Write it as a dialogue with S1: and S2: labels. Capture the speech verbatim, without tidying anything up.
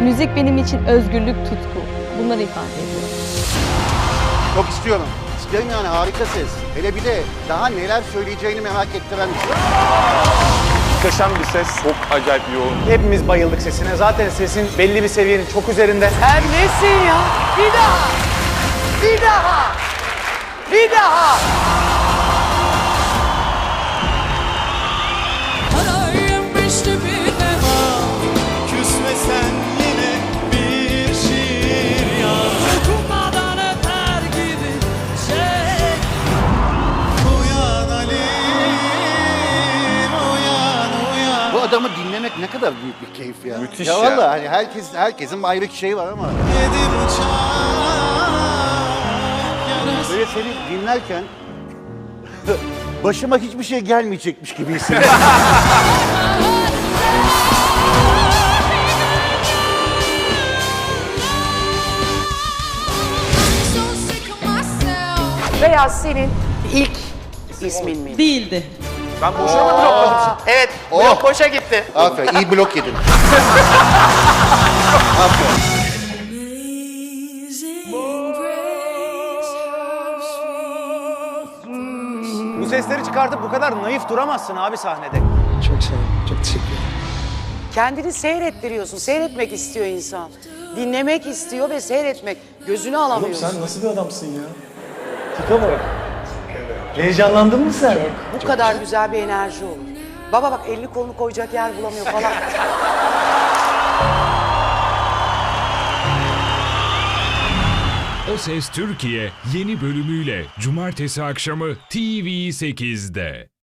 S1: Müzik benim için özgürlük, tutku. Bunları ifade ediyor.
S2: Çok istiyorum. İstiyorum yani, harika ses. Hele bir de daha neler söyleyeceğini merak ettiren bir şey.
S3: Muhteşem bir ses, çok acayip yoğun.
S4: Hepimiz bayıldık sesine. Zaten sesin belli bir seviyenin çok üzerinde.
S5: Sen nesin ya? Bir daha! Bir daha! Bir daha!
S6: Küsmesen yine bir şiir yaz. Dokunmadan öter gibi şey. Uyan Ali, uyan uyan.
S2: Bu adamı dinlemek ne kadar büyük bir keyif ya.
S3: Müthiş
S2: ya.
S3: ya.
S2: Vallahi hani herkes, herkesin ayrı şey var ama.
S6: Yedi bıçak yarası.
S2: Böyle seni dinlerken başıma hiçbir şey gelmeyecekmiş gibi hissediyorum.
S5: Beyaz senin ilk ismin mi?
S7: Değildi.
S4: Ben boşuna mı blokladım?
S5: Evet,
S2: Oh.
S5: blok boşa gitti.
S2: Aferin, iyi blok yedin. Aferin.
S4: Bu sesleri çıkartıp bu kadar naif duramazsın abi sahnede.
S6: Çok sağ ol, çok teşekkür ederim.
S5: Kendini seyrettiriyorsun. Seyretmek istiyor insan. Dinlemek istiyor ve seyretmek. Gözünü alamıyorsun.
S6: Sen nasıl bir adamsın ya? Tipe bak. Heyecanlandın mı sen?
S5: Bu kadar güzel bir enerji olur. Baba bak elini kolunu koyacak yer bulamıyor falan.
S8: O Ses Türkiye yeni bölümüyle Cumartesi akşamı T V sekizde.